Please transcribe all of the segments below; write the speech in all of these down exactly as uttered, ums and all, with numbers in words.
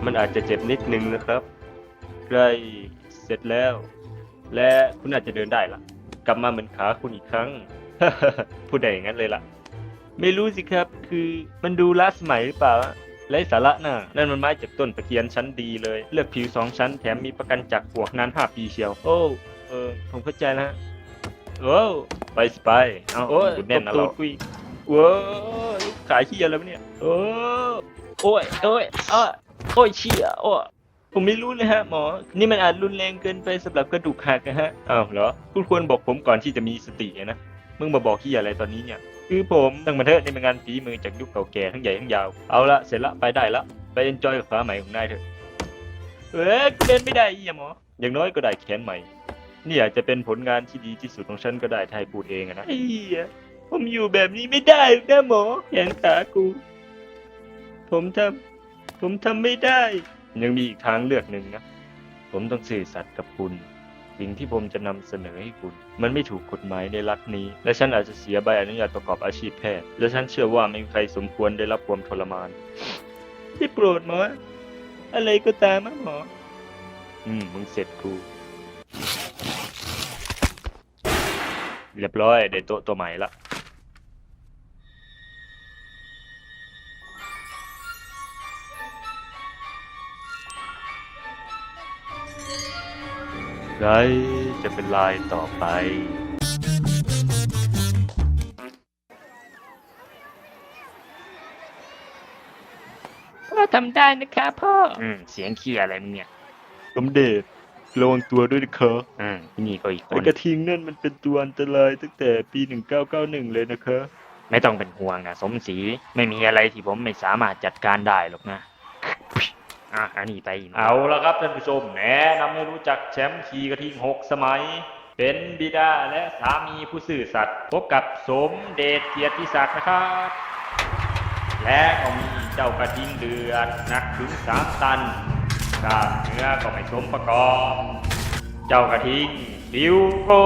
มันอาจจะเจ็บนิดนึงนะครับใกล้เสร็จแล้ว และคุณอาจจะเดินได้ละกลับมาเหมือนขาคุณอีกครั้ง พูดได้อย่างนั้นเลยล่ะ ไม่รู้สิครับ คือมันดูล้าสมัยหรือเปล่าไร้สาระน่ะนั่นมันไม้จากต้นตะเคียนชั้นดีเลย เลือกผิวสองชั้นแถมมีประกันจากปลวกนานห้าปีเชียว โอ้เออผมเข้าใจแล้วฮะโอ้ไปสิไปเอาโอ้ยแน่นนะเราคุยโว้ยขายขี้อะไรวะเนี่ยโอ้โอ้ยโอ้ยอ้าโอ้ยเชี่ยโอ้ผมไม่รู้เลยฮะหมอ นี่มันอาจรุนแรงเกินไปสำหรับกระดูกหักนะฮะอ้าวเหรอคุณควรบอกผมก่อนที่จะมีสตินะมึงมาบอกขี้อะไรตอนนี้เนี่ยคือผมตั้งมาเถอะนี่เป็นงานฝีมือจากยุคเก่าแก่ทั้งใหญ่ทั้งยาวเอาละเสร็จละไปได้ละไปเอนจอยกับขาใหม่ของนายเถอะเอ้ยเดินไม่ได้อีหมออย่างน้อยก็ได้แขนใหม่นี่อาจจะเป็นผลงานที่ดีที่สุดของฉันก็ได้ถ้าให้พูดเองนะไอ้เหี้ยผมอยู่แบบนี้ไม่ได้นะหมอแขนขากูผมทำผมทำไม่ได้ยังมีอีกทางเลือกหนึ่งนะผมต้องซื่อสัตย์กับคุณสิ่งที่ผมจะนำเสนอให้คุณมันไม่ถูกกฎหมายในรัฐนี้และฉันอาจจะเสียใบอนุญาตประกอบอาชีพแพทย์และฉันเชื่อว่าไม่มีใครสมควรได้รับความทรมานที่โปรดหมออะไรก็ตามนะหมออืมมึงเสร็จกูเรียบร้อยได้โต๊ะตัวใหม่ละไรจะเป็นลายต่อไปพ่อทำได้นะครับพ่ออืมเสียงขี้อะไรมึงเนี่ยสมเด็จระวังตัวด้วยนะครับอืมนี่ก็อีกคนไอ้กระทิงนั่นมันเป็นตัวอันตรายตั้งแต่ปีหนึ่งเก้าเก้าหนึ่งเลยนะครับไม่ต้องเป็นห่วงนะสมศรีไม่มีอะไรที่ผมไม่สามารถจัดการได้หรอกนะอ่ะอันนี้ไปเอาละครับท่านผู้ชมแนะนำให้รู้จักแชมป์ขี่กระทิงหกสมัยเป็นบิดาและสามีผู้ซื่อสัตย์พบกับสมเด็จเกียรติศักดิ์นะครับและก็มีเจ้ากระทิงเดือดหนักถึงสามตันกล้ามเนื้อก็ไม่สมประกอบเจ้ากระทิงบิวโก้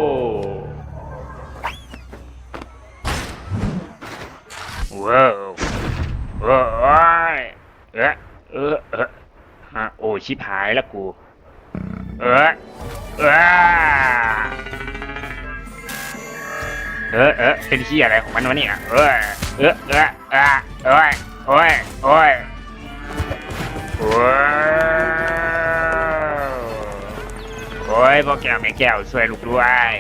ว้าวว้าวเอ๊ะเออเออฮะโอ้ชิบหายแล้วกูเออเออเออเออเป็นที่อะไรของมันวะเนี่ยเออเออเออเออโอ้ยโอ้ยโอ้ยโอ้ยโอ้ยพ่อแก้วแม่แก้วช่วยลูกด้วย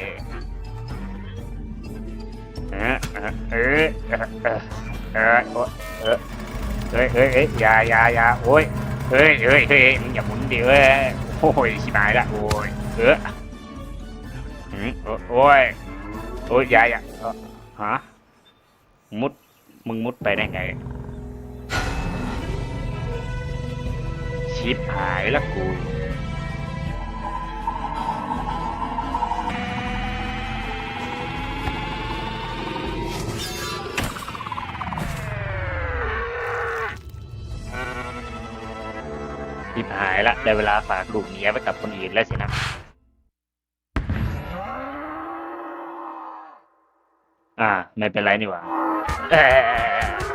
เออเออเออเออเออเออเฮ้ยเฮ้ยเฮ้ยอย่าอย่าอย่าโอ้ยเฮ้ยเฮ้ยเฮ้ยมึงอย่าหมุนดิเว้ยโอ้ยชิบหายละโอ้ยเอออืมโอ้ยโอ้ยอย่าอย่าฮะมุดมึงมุดไปได้ไงชิบหายละกูชิบหายละได้เวลาฝากลูกเมียไว้กับคนอื่นแล้วสินะอ่าไม่เป็นไรนี่หว่าเออ